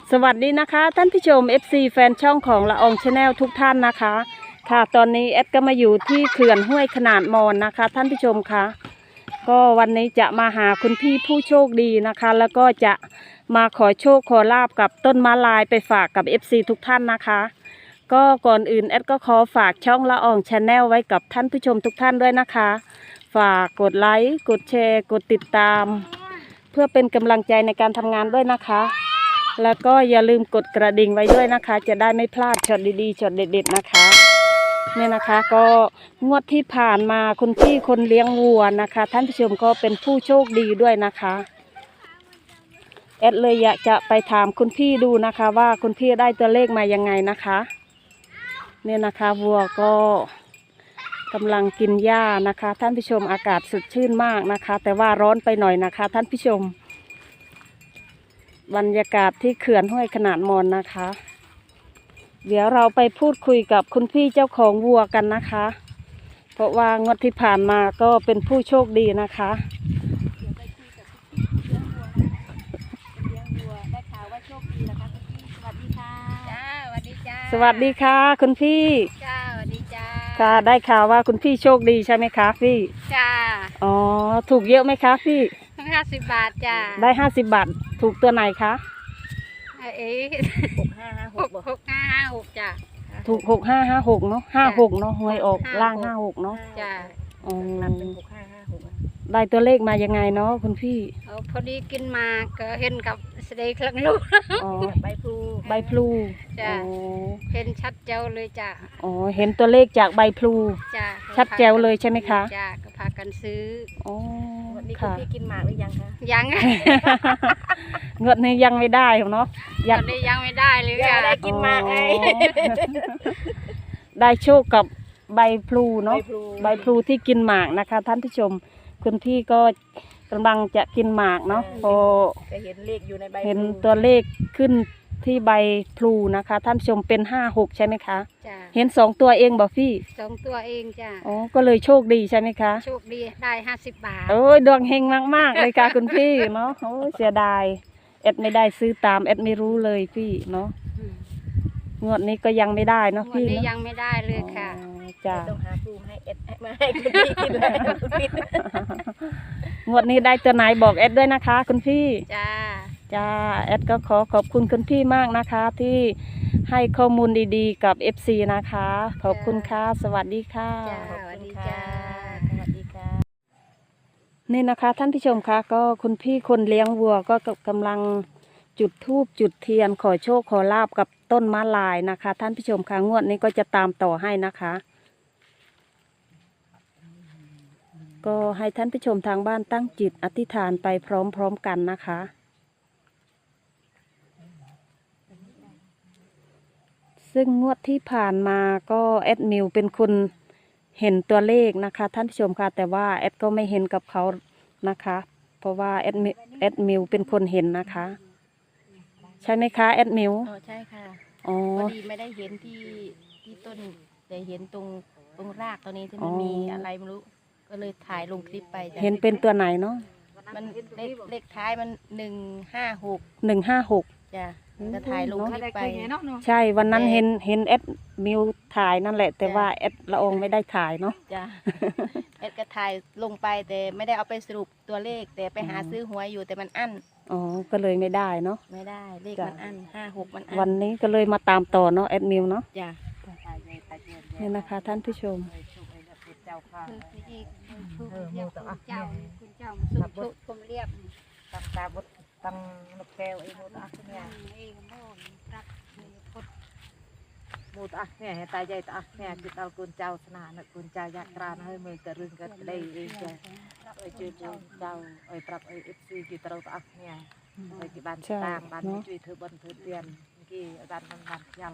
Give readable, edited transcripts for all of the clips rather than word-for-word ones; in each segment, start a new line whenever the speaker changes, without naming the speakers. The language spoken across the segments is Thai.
สวัสดีนะคะท่านผู้ชม FC แฟนช่องของละอองชาแนลทุกท่านนะคะค่ะตอนนี้แอดก็มาอยู่ที่เขื่อนห้วยขนาดมอนนะคะท่านผู้ชมคะก็วันนี้จะมาหาคุณพี่ผู้โชคดีนะคะแล้วก็จะมาขอโชคขอลาบกับต้นมะลายไปฝากกับ FC ทุกท่านนะคะก็ก่อนอื่นแอดก็ขอฝากช่องละอองชาแนลไว้กับท่านผู้ชมทุกท่านด้วยนะคะฝากกดไลค์กดแชร์กดติดตามเพื่อเป็นกำลังใจในการทำงานด้วยนะคะแล้วก็อย่าลืมกดกระดิ่งไว้ด้วยนะคะจะได้ไม่พลาดช็อตดีๆช็อตเด็ดๆนะคะเนี่ยนะคะก็งวดที่ผ่านมาคุณพี่คนเลี้ยงวัวนะคะท่านผู้ชมก็เป็นผู้โชคดีด้วยนะคะแอดเลยอยากจะไปถามคุณพี่ดูนะคะว่าคุณพี่ได้ตัวเลขมายังไงนะคะเนี่ยนะคะวัวก็กำลังกินหญ้านะคะท่านผู้ชมอากาศสดชื่นมากนะคะแต่ว่าร้อนไปหน่อยนะคะท่านผู้ชมบรรยากาศที่เขื่อนห้วยขนาดมอนนะคะเดี๋ยวเราไปพูดคุยกับคุณพี่เจ้าของวัวกันนะคะเพราะว่างวดที่ผ่านมาก็เป็นผู้โชคดีนะคะสวัสดีค่ะคุณพี่
จ้าสวัสดีจ้า
ค่ะได้ข่าวว่าคุณพี่โชคดีใช่ไหมคะพี่
จ้า
อ๋อถูกเยอะไหมคะพี่
50 บาทจ้า
ได้50 บาทถูกตัวไหนคะ
6556จ้า
ถูก6556เนาะ56เนาะหวยออกล่าง56เนาะ
จ้า
อ๋อเป็น6556ได้ตัวเลขมายังไงเนาะคุณพี่
พอดีกินมาก็เห็นกับเสด็จครั้งลูกใบพลูจ้าเห็นชัดเจ๋วเลยจ้า
อ๋อเห็นตัวเลขจากใบพลู
จ้า
ชัดแจ๋วเลยใช่ไหมคะ
จ้าก็พากันซื้อ
อ๋อ
วันนี้คุณพี่กินหมากหรือยังคะยัง
เงินนี้ยังไม่ได้เนาะ
ยังไม่ได้เลยได้กินหมากไง
ได้โชคกับใบพลูเนาะใบพลูที่กินหมากนะคะท่านผู้ชมคุณพี่ก็กำลังจะกินหมากเนาะพอ
เห็นเลขอยู่ในใบ
เห็นตัวเลขขึ้นที่ใบพลูนะคะท่านผู้ชมเป็น56ใช่ไหมคะเห็น2 ตัวเองบอกพี่
2 ตัวเองจ้ะ
อ๋อก็เลยโชคดีใช่ไหมคะ
โชคดีได้50 บาท
โอ้ยดวงเฮงมากๆเลยค่ะคุณพี่เนาะโอ้ยเสียดายแอดไม่ได้ซื้อตามแอดไม่รู้เลยพี่เนาะงวดนี้ก็ยังไม่ได้เนาะพี่
เนาะยังไม่ได้เลยค่ะ
จ้า
ต้องหาปูให้เอ็ดมาให้คุณพี่กินเลย
งวดนี้ได้ตัวไหนบอกแอดด้วยนะคะคุณพี่
จ้า
แอดก็ขอบคุณคุณพี่มากนะคะที่ให้ข้อมูลดีๆกับ FC นะคะขอบคุณค่ะสวัสดีค่ะ
สวัสดีจ้าสวัสดีค่ะ
นี่นะคะท่านผู้ชมคะก็คุณพี่คนเลี้ยงวัวก็กำลังจุดธูปจุดเทียนขอโชคขอลาบกับต้นมะลายนะคะท่านผู้ชมคะงวดนี้ก็จะตามต่อให้นะคะก็ให้ท่านผู้ชมทางบ้านตั้งจิตอธิษฐานไปพร้อมๆกันนะคะซึ่งงวดที่ผ่านมาก็แอดมิวเป็นคนเห็นตัวเลขนะคะท่านผู้ชมค่ะแต่ว่าแอดก็ไม่เห็นกับเขานะคะเพราะว่าแอดมิวเป็นคนเห็นนะคะใช่ไหมคะแอดมิว
ใช่ค่ะพอดีไม่ได้เห็นที่ต้นแต่เห็นตรงรากตัวนี้ที่มันมีอะไรไม่รู้ก็เลยถ่ายลงคลิปไป
เห็นเป็นตัวไหนเนาะ
มันเลขท้ายมัน
156
จ้ะจะถ่ายลงคลิปไป
ใช่วันนั้นเห็นแอดมิวถ่ายนั่นแหละแต่ว่าแอดละอองไม่ได้ถ่ายเนาะ
จ้ะแอดก็ถ่ายลงไปแต่ไม่ได้เอาไปสรุปตัวเลขแต่ไปหาซื้อหวยอยู่แต่มันอั้น
อ๋อก็เลยไม่ได้เนาะ
ไม่ได้เลขมันอั้น56มันอั้น
วันนี้ก็เลยมาตามต่อเนาะแอดมิวเนาะ
จ้ะ
นี่นะคะท่านผู้ชม
คุณเจ้ามาสุขชมเรียบตาบดตังนกแก้วไอ้โมตะเนี่ยโมตะเนี่ยตายใจตะเนี่ยคือเอาคุณเจ้าสนานคุณเจ้ายักษ์ราให้มือกระรึงกันได้เองเลยไอ้ช่วยเจ้าไอ้ปรับไอ้FCกี่ตะตะเนี่ยไอ้กี่บ้านตามบ้านช่วยเธอบนเธอเตียนกี่บ้านยัง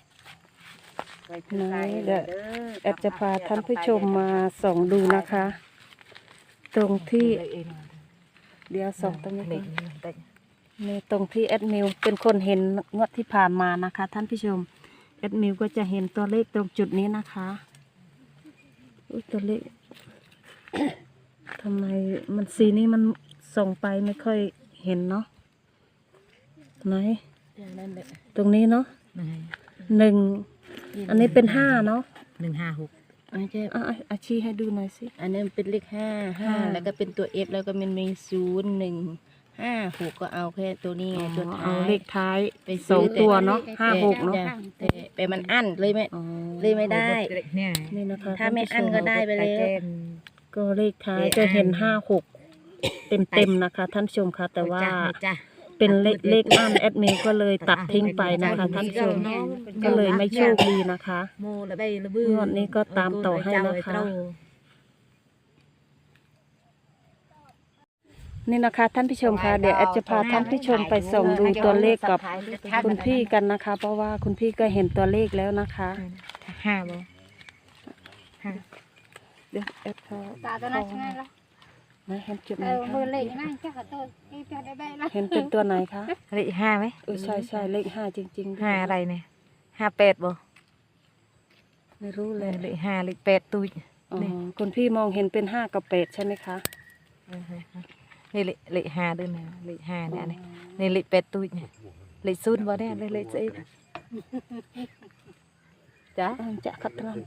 เดี๋ยวแอดจะพาท่านผู้ชมมาส่องดูนะคะตรงที่เดี๋ยวส่องตรงนี้นี่ตรงที่แอดมิวเป็นคนเห็นงวดที่ผ่านมานะคะท่านผู้ชมแอดมิวก็จะเห็นตัวเลขตรงจุดนี้นะคะตัวเลข ทำไมมันสีนี้มันส่องไปไม่ค่อยเห็นเนาะไหน
นั่นแหละ
ตรงนี้เนาะ
นั่นไง
1อันนี้เป็น5เนาะ
156อันนี้
อาชีให้ดูหน่อยสิ
อันนี้เป็นเลข5แล้วก็เป็นตัว F แล้วก็มันมี0156ก็เอาแค่ตัวนี้ไงตัวท้าย
เอาเลขท้าย
ไปซื้
ส
อ
องตัวเนาะ56เนาะ
แต่มันอั้นเลยไม่
อ๋อ
เลยไม่ได้
นี่นะคะ
ถ้าไม่อั้นก็ได้ไปแล้ว
ก็เลขท้ายจะเห็น56เต็มๆนะคะ ท่านผู้ชมคะแต่ว่าเป็นเลขอั้นแอดมินก็เลยตัดทิ้งไปนะคะท่านผู้ชมก็เลยไม่โชคดีนะคะ
โมละใบละบื้
งวดนี้ก็ตามต่อให้นะคะ นี่นะคะท่านผู้ชมคะเดี๋ยวแอดจะพาท่านผู้ชมไปส่องดูตัวเลขกับคุณพี่กันนะคะ เพราะว่าคุณพี่ก็เห็นตัวเลขแล้วนะคะ
5บ่5
เดี๋ยวแอดเขา
ตาตัวนั้นใช่ไหมล่ะ
นะเห็นจุดไหน
มือ
คะ
เล็กนั่งแค่ขอโทษที่จะได้ละ
เห็นเป็นตัวไหนคะ
เลข5ไหม
ใช่เลข5จริงๆด้วย
5อะไรเนี่ย58บ่
ไม่รู้เลย
เลข5เลข8ตุ้ย
อ๋อคุณพี่มองเห็นเป็น5กับ8ใช่ไหมคะ
นี่เลข5ด้วยนะเลข5เนี่ยนี่เลข8ตุ้ยเนี่ยเลข0บ่เนี่ยเลขสิจ้ะ
จะคัดตรันไป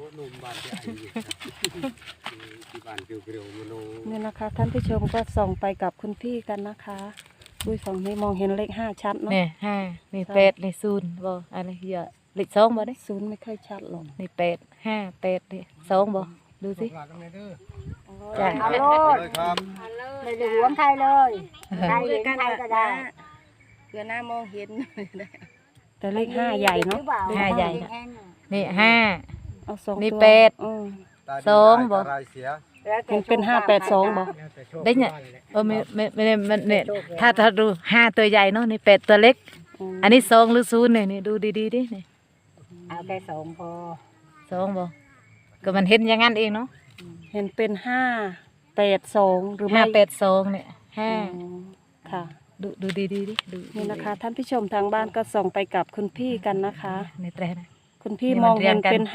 นี่นะคะ ท่านผู้ชมก็ส่องไปกับคุณพี่กันนะคะอุ้ยฝั่งนี้มองเห็นเลข5ชัดเนาะ
เนี่ย5นี่8นี่0บ่อะไรเยอะเลข2บ่ได้
0ไม่ค่อยชัดหรอก
นี่8 5 8นี่2บ่ดูสิจ้ะ
เอาโลดไม่ได้หวงใครเลยใครเห็นใครก็ได้
เพื่อหน้ามองเห็น
แต่เลข5ใหญ่เนาะ
ห้าใหญ่น่ะ นี่5
เอา2
นี่
ตัว
8
อืม
2บ่
เห็นเป็น582บ่
ได้เนี่ยไม่ได้มันเนี่ยถ้าดู5ตัวใหญ่เนาะนี่8ตัวเล็ก อันนี้2หรือ0เนี่ยนี่ดูดีๆดินี่
เอาแค่2พอ
2บ่ก็มันเห็นอย่างนั้นเองเนาะ
เห็นเป็น582หรือไม่
582เนี่ย
อ๋อค่ะ
ดูดีๆดิดู
นี่นะคะ ท่านผู้ชมทางบ้านก็ส่องไปกับคุณพี่กันนะคะ
ในแตรนะ
คุณพี่
นี่
ม
มัน
องเห็น
เรียงกัน
เป็น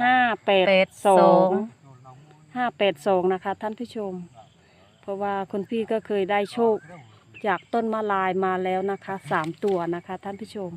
582นะคะ ท่านผู้ชม เพราะว่าคุณพี่ก็เคยได้โชคจากต้นมะลายมาแล้วนะคะ3ตัวนะคะ ท่านผู้ชม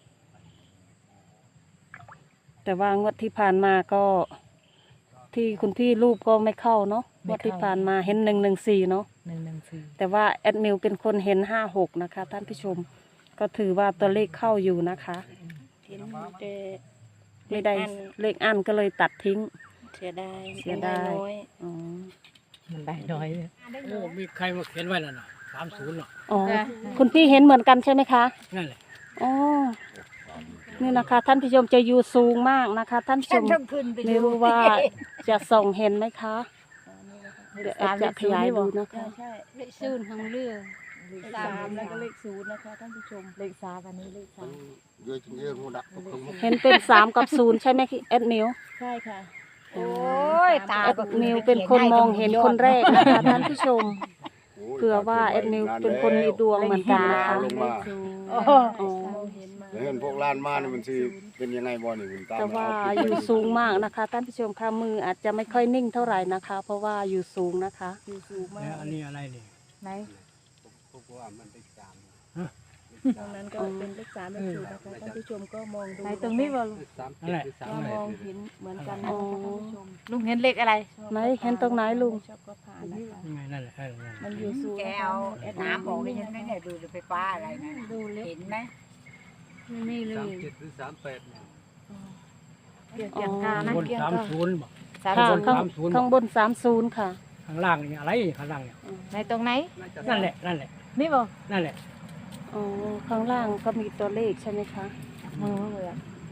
แต่ว่างวดที่ผ่านมาก็ที่คุณพี่รูปก็ไม่เข้าเนาะงวดที่ผ่านมาเห็น114เนาะ
114
แต่ว่าแอดมิวเป็นคนเห็น56นะคะ ท่านผู้ชม ก็ถือว่าตัวเลขเข้าอยู่นะคะ
เห็นแต่
ไม่ได้เลขอันก็เลยตัดทิ้ง
เสียดาย
เสียดาย
น้อย
อ๋อ
มันได้น้อยเลย
โอ้มีใครมาเขียนไว้แล้วนะ30เนาะ
อ๋อคุณพี่เห็นเหมือนกันใช่ไหมคะ
นั่นแหละ
อ๋อนี่นะคะ ท่านผู้ชมจะอยู่สูงมากนะคะ ท่านผู้ช
ฉัน
ม
ต้องขึ้นไป
ไม่รู้ว่าจะส่องเห็นไหมคะเดี๋ยวแอดจะขยายดูนะคะ
ใช่
เลขซูนของเรือ
3แล้วก็เลข0นะคะท่านผู้ชมเลข3อันนี้เลข3
เห็นเป็น3กับ0ใช่ไหมแอดมิว
ใช่ค่ะ
โอ้ยตา
แอดมิวเป็นคนมองเห็นคนแรกนะคะท่านผู้ชมเผื่อว่าแอดมิวเป็นคนมีดวงเหมือนกันนะคะ
ลงมา
โอ้
อ๋อ
แล้วเห็นพวกล้านมานี่มันสิเป็นยังไงบ่นี่มันตาม
แต่ว่าอยู่สูงมากนะคะ ท่านผู้ชมค่ะมืออาจจะไม่ค่อยนิ่งเท่าไหร่นะคะ เพราะว่าอยู่สูงนะคะ
อยู่สูงมา
แล้ว
ก
อันนี้อะไรนี่
ไหน
พวกว่ามันเป็นตาม
ตรงนั้นก็เป็นเลข3เลข0นะคะท่านผู้ชมก็มองดู
ไหนตรงนี้บ่ลูก
นั่นแหละ
เรามองเห็นเหมือนกัน
อ๋
นะ
อ
คะท่านผู้ชมลุงเห็นเลขอะไร
ไหนเห็นตรงไหนลุง
ชอบก็ผ่านนะคะ
ยังไงนั่นแหละนั่นแหละ
มันอยู่สูง
แก
นะคะ
เอา
แอด
น้ำออกได้ยังไงเนี่ยดูไฟฟ้าอะไรนะ
ดูเล็ก
เห็นไหมนี่เลย
37หรือ38เนี่ย
เกี่ยวกับทางนะ
บน
เกี่ยวกับ
30บอก
สาม
ค่ะ
ศูนย์
ข้าง
30
ข้างบน30ค่ะ
ข้างล่างนี่อะไรข้างล่างเนี่ย
ในตรงไหน
นั่นแหละนั่นแหละ
นี่บ่
นั่นแหละ
อ๋อข้างล่างก็มีตัวเลขใช่ไหมคะ
มือเลยอะ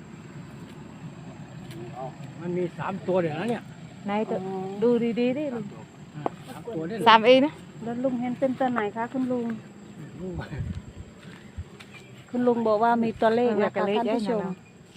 มันมี3ตัวเดี๋ยวนะเนี่ย
ไหนตัว
อ๋อ
ดูดีๆดิลุง
3ตัวเนี่ย
3 เองนะ
แล้วลุงเห็นเป็นตัวไหนคะคุณลุง คุณลุงบอกว่ามีตัวเลขนะคะท่านผู้ชม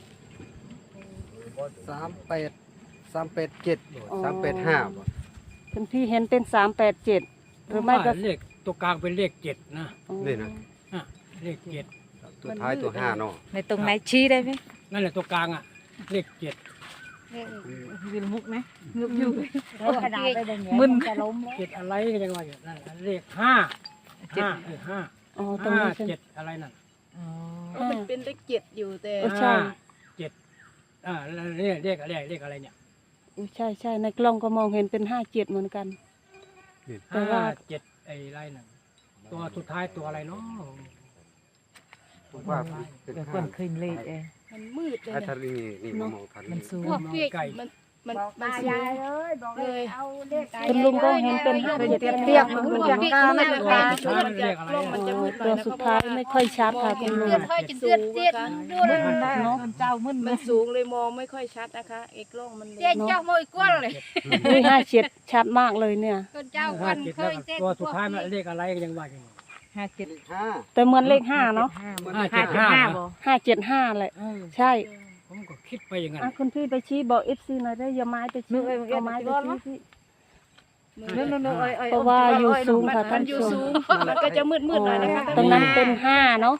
38 387 385บ่
คุณพี่เห็นเป็น387หรือไม่ก็
เลขตัวกลางเป็นเลข7นะ
อ๋อ
นี่นะ
อ่ะเลข7
ตัวท้ายตัว5เนาะ
ในตรงไหนชี้ได้ไหม
นั่นแหละตัวกลางอ่ะเลข7
วิลมุกไหมมุกอยู่
แล้วขนาดไปอย่างเงี้ย
มึน
จะล้มแล้ว
7อะไรก็ยังว่าอยู่นั่นแหละเลข5 5
อ๋อตรงนี้ใช่ไหม
7อะไรนั่น
อ๋อ
มันเป็นเลขเจ็ดอยู่แต่
ใช่
5 7แล้วเลขอะไรเนี่ย
ใช่ใช่ในกล้องก็มองเห็นเป็น57เหมือนกัน แต่ว่า
5 7ไอ้ไรนั่นตัวสุดท้ายตัวอะไรเนาะ
ผมว่าเป็น
เดี๋ยวค
ห้าน
คืนเลขเอง
มันมืดเลย
ถ้า
นะ
ทะเลนี่มองทัน
มันสูง
พวกเลขมัน
บอก
มัน
ตา
สู
ยาง ยเลยบอกเลยเอาเลข
คุณลุงก็เห็นเป็น
เปียกๆมัน
พวก
อย่าง
เลข
กา
มัน
เล
นะ
ย
คะมันจะกล้องมันจะมืดหน่
ตั
อ
วย
นะ
สุดท้ายไม่ค่อยชัดค่ะคุณลุง
มึนได้เจ้ามึน
มันสูงเลยมองไม่ค่อยชัดนะคะไอ้กล้องมัน
เจ๊เจ้าโมยกวนเลย
อุ้ย57ชัดมากเลยเนี่ย
คนเจ้าค
ห้าน เจ็ด
เค
แล้ว
ย
ก็
เจ๊
ตัวสุดท้ายมันเลขอะไรก็ยังว่าอยู่
57
5
แต่เหมือนเลข5เนาะ
575บ่
575แหละใช่
ผมก็คิดไปอย่างนั้น
อ่ะคุณพี่ไปชี้บอก FC หน่อยได้อย่าไม้ไปชี้เอาไม้ไปชี้พี่
นู่นๆๆ
เพราะว่าอยู่สูงค่ะ
มั
ท่าน
นอยู่
ผู้ช
สู
ม
งมันก็จะมืดหน่อยนะคะ
ตรงนั้นเป็น5เนาะ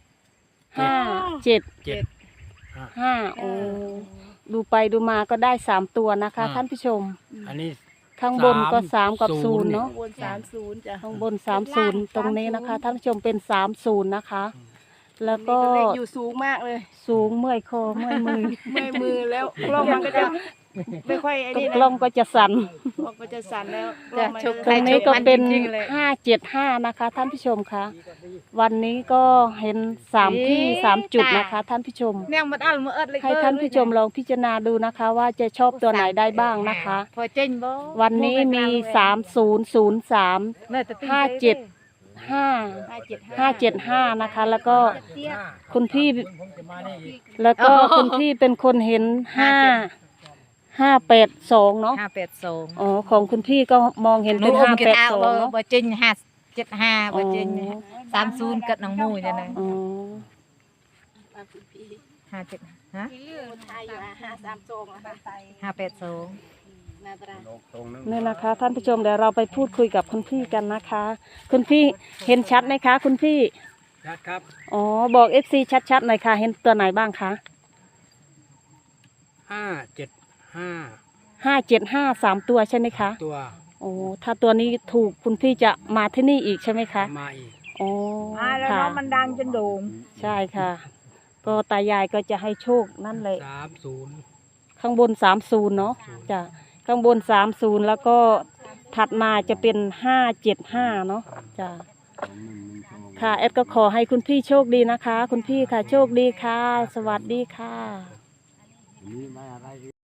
5 7 5โอ้ดูไปดูมาก็ได้3ตัวนะคะท่านผู้ชม
อันนี้
ข้างบนก็3กับ0เนาะ
บน30จ้ะ
ข้างบน30ตรงนี้นะคะท่านผู้ชมเป็น30นะคะ แล้วก็
เลขอยู่สูงมากเลย
สูงเมื่อยคอเมื่อยมือ
เมื่อยมือแล้วกล้องมันก็จะไม่ค่อยไอ้นี่
กล้องก็จะสั่น
กล้องก็จะสั่นแล้วกล้องมัน
ตรงนี้ก็เป็น
จริงๆเลย
575นะคะท่านผู้ชมคะวันนี้ก็เห็น3ที่3จุดนะคะท่านผู้ชม
แนงมันอัลมือเอิดเลย
ให้ท่านผู้ชมลองพิจารณาดูนะคะ ว่าจะชอบตัวไหนได้บ้างนะคะ
พอเจ๊งบ่
วันนี้มี3003 575นะคะ แล้วก็คุณพี่
ผมจะมาได้อีก
แล้วก็คุณพี่เป็นคนเห็น582เนาะ
582
อ๋อของคุณพี่ก็มองเห็น
หนู
เป็น
อมกินเอา
582เนาะ
บ่เจ๊ง575บ่เจ๊ง30กัดน้องมูยจังได๋
อ๋อ
57ฮะ
ไทยอยู่532นะคะ
582
นาตรา
ตรงนึง
นี่นะคะ ท่านผู้ชมเดี๋ยวเราไปพูดคุยกับคุณพี่กันนะคะ คุณพี่เห็นชัดไหมคะ คุณพี่
ชัดครับ
อ๋อบอก FC ชัดๆหน่อยค่ะ เห็นตัวไหนบ้างคะ
575
575 3ตัวใช่ไหมคะ
ตัว
โอ้ถ้าตัวนี้ถูกคุณพี่จะมาที่นี่อีกใช่ไหมคะ
มาอีก
อ๋อ
แล้ว
ค่ะ
น้องมันดังจนโด่ง
ใช่ค่ะ ก็ตายายก็จะให้โชคนั่นแหละ
30
ข้างบน30เนาะจ้ะข้างบน30แล้วก็ถัดมาจะเป็น575เนาะจ้ะค่ะแอดก็ขอให้คุณพี่โชคดีนะคะ คุณพี่ค่ะโชคดีค่ะ สวัสดีค่ะ
นี่ไม่อะไร